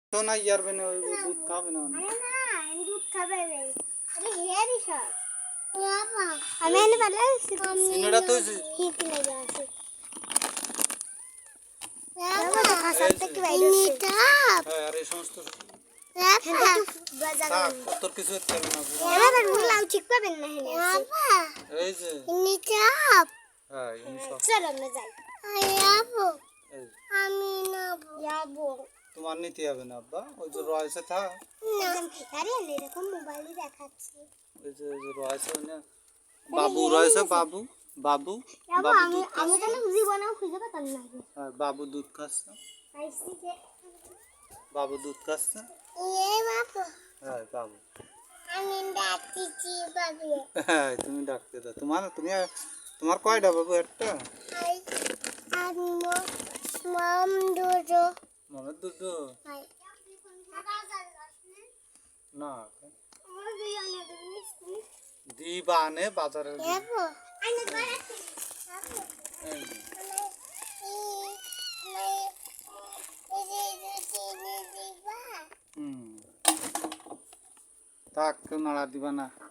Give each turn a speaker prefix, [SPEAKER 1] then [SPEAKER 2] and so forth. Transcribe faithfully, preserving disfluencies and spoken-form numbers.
[SPEAKER 1] तो ना यार बने वो दूध खावे ना
[SPEAKER 2] अरे ना दूध खावे रे अरे हेरी सर यामा हमें ने पहले
[SPEAKER 1] इनड़ा तो
[SPEAKER 2] हिट लगा से यामा तो खा सकते कि भाई नीटा
[SPEAKER 1] अरे समस्त
[SPEAKER 2] यामा बाजार
[SPEAKER 1] तो किस वक्त करना
[SPEAKER 2] यामा पर मुंह लाउ चिक पे बनना है यामा
[SPEAKER 1] ए जे
[SPEAKER 2] नीटा
[SPEAKER 1] हां इन सब
[SPEAKER 2] चलो मैं जाई याबो আমি না যাবো
[SPEAKER 1] তোমার নিতে হবে না আব্বা ওই যে রয়েছে থা
[SPEAKER 2] আরে এরকম মোবাইলে দেখাচ্ছি
[SPEAKER 1] ওই যে ওই যে রয়েছে না বাবু রয়েছে বাবু বাবু
[SPEAKER 2] বাবু আমি আমি তো জীবনেও খুঁজে পেতাম না
[SPEAKER 1] হ্যাঁ বাবু দুধ খাচ্ছে
[SPEAKER 2] আইসি যে
[SPEAKER 1] বাবু দুধ খাচ্ছে
[SPEAKER 2] এ বাবু
[SPEAKER 1] হ্যাঁ বাবু
[SPEAKER 2] আমি ডাকছি বাবু
[SPEAKER 1] হ্যাঁ তুমি ডাকতে দাও তোমার তুমি তোমার কয়টা বাবু একটা
[SPEAKER 2] আমি মাম দুটো
[SPEAKER 1] মনে দুটো না দিবানে বাজারে
[SPEAKER 2] যাবো আইনে
[SPEAKER 1] হুম তাক নাড়া দিবা না